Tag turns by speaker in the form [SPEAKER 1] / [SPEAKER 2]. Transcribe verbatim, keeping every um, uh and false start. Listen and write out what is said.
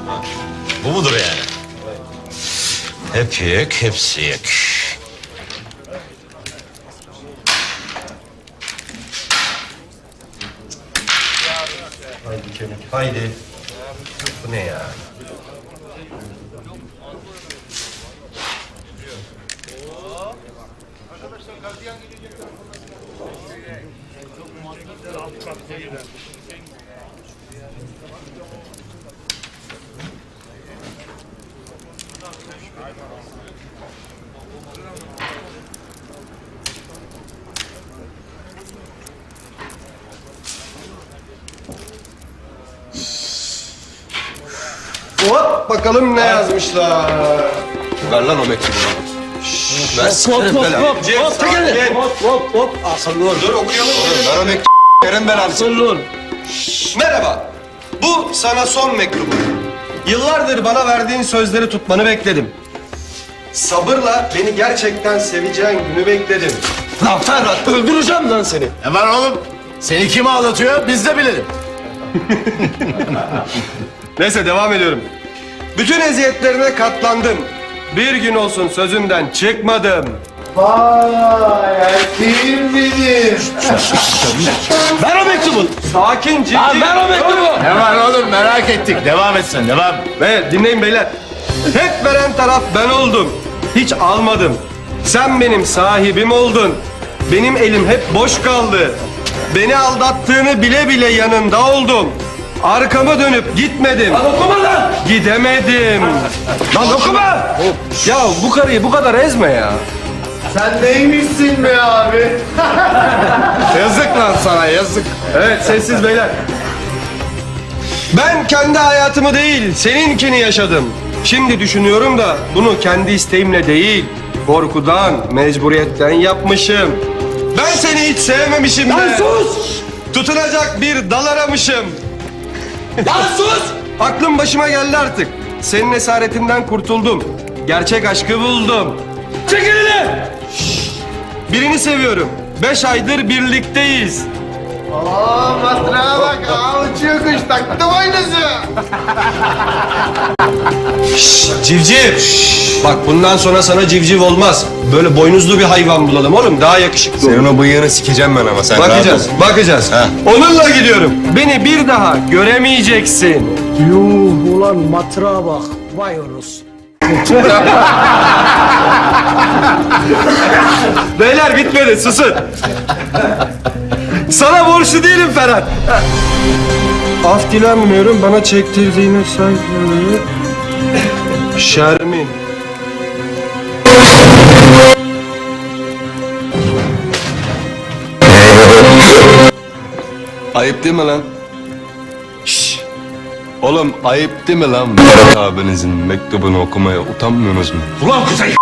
[SPEAKER 1] Bu mudur yani? Hep yek, hepsi yek.
[SPEAKER 2] Haydi kemik, haydi. Bu ne ya? Hop bakalım ne yazmışlar.
[SPEAKER 3] Ver lan o mektubu bana. Ver
[SPEAKER 4] Hop
[SPEAKER 3] sikerim
[SPEAKER 4] hop
[SPEAKER 3] belanı.
[SPEAKER 4] hop hop
[SPEAKER 2] Gel.
[SPEAKER 4] hop hop hop akıllı ol.
[SPEAKER 2] Dur okuyalım.
[SPEAKER 3] Ver o mektubu. Verin belanı.
[SPEAKER 4] Akıllı ol.
[SPEAKER 2] Merhaba. Bu sana son mektubum. Yıllardır bana verdiğin sözleri tutmanı bekledim. Sabırla beni gerçekten seveceğin günü bekledim.
[SPEAKER 4] Lan Ferhat öldüreceğim lan seni.
[SPEAKER 5] Ne var oğlum? Seni kim ağlatıyor biz de bilelim.
[SPEAKER 2] Neyse devam ediyorum. Bütün eziyetlerine katlandım. Bir gün olsun sözünden çıkmadım.
[SPEAKER 5] Vay erkeğim benim.
[SPEAKER 4] Ver o mektubu.
[SPEAKER 2] Sakin ciddi.
[SPEAKER 4] Lan ver o mektubu.
[SPEAKER 5] Ne var oğlum merak ettik. Devam etsin devam.
[SPEAKER 2] Ve dinleyin beyler. Hep veren taraf ben oldum. Hiç almadım. Sen benim sahibim oldun. Benim elim hep boş kaldı. Beni aldattığını bile bile yanında oldum. Arkamı dönüp gitmedim.
[SPEAKER 4] Lan okuma lan.
[SPEAKER 2] Gidemedim. Lan okuma. Ya bu karıyı bu kadar ezme ya.
[SPEAKER 5] Sen neymişsin be abi? yazık lan sana yazık.
[SPEAKER 2] Evet sessiz beyler. Ben kendi hayatımı değil seninkini yaşadım. Şimdi düşünüyorum da bunu kendi isteğimle değil, korkudan, mecburiyetten yapmışım. Ben seni hiç sevmemişim
[SPEAKER 4] Lan
[SPEAKER 2] de.
[SPEAKER 4] sus.
[SPEAKER 2] Tutunacak bir dal aramışım.
[SPEAKER 4] Lan sus.
[SPEAKER 2] Aklım başıma geldi artık. Senin esaretinden kurtuldum. Gerçek aşkı buldum.
[SPEAKER 4] Çek elini.
[SPEAKER 2] Birini seviyorum. Beş aydır birlikteyiz.
[SPEAKER 5] Aa matrağa bak aa uçuyor kuş taktım aynısı.
[SPEAKER 2] Civciv. Bak bundan sonra sana civciv olmaz. Böyle boynuzlu bir hayvan bulalım oğlum. Daha yakışıklı olur.
[SPEAKER 3] Senin o bıyığını sikeceğim ben ama sen
[SPEAKER 2] Bakacağız,
[SPEAKER 3] rahat ol.
[SPEAKER 2] bakacağız.
[SPEAKER 3] Ha.
[SPEAKER 2] Onunla gidiyorum. Beni bir daha göremeyeceksin.
[SPEAKER 4] Yuh ulan matrağa bak. Vay orus.
[SPEAKER 2] Beyler bitmedi, susun. Sana borçlu değilim Ferhat. Af dilenmiyorum, bana çektirdiğine saygı. Şermin.
[SPEAKER 3] Ayıp değil mi lan? Şşş. Oğlum ayıp değil mi lan? Berat abinizin mektubunu okumaya utanmıyorsunuz mu?
[SPEAKER 4] Ulan Kuzey.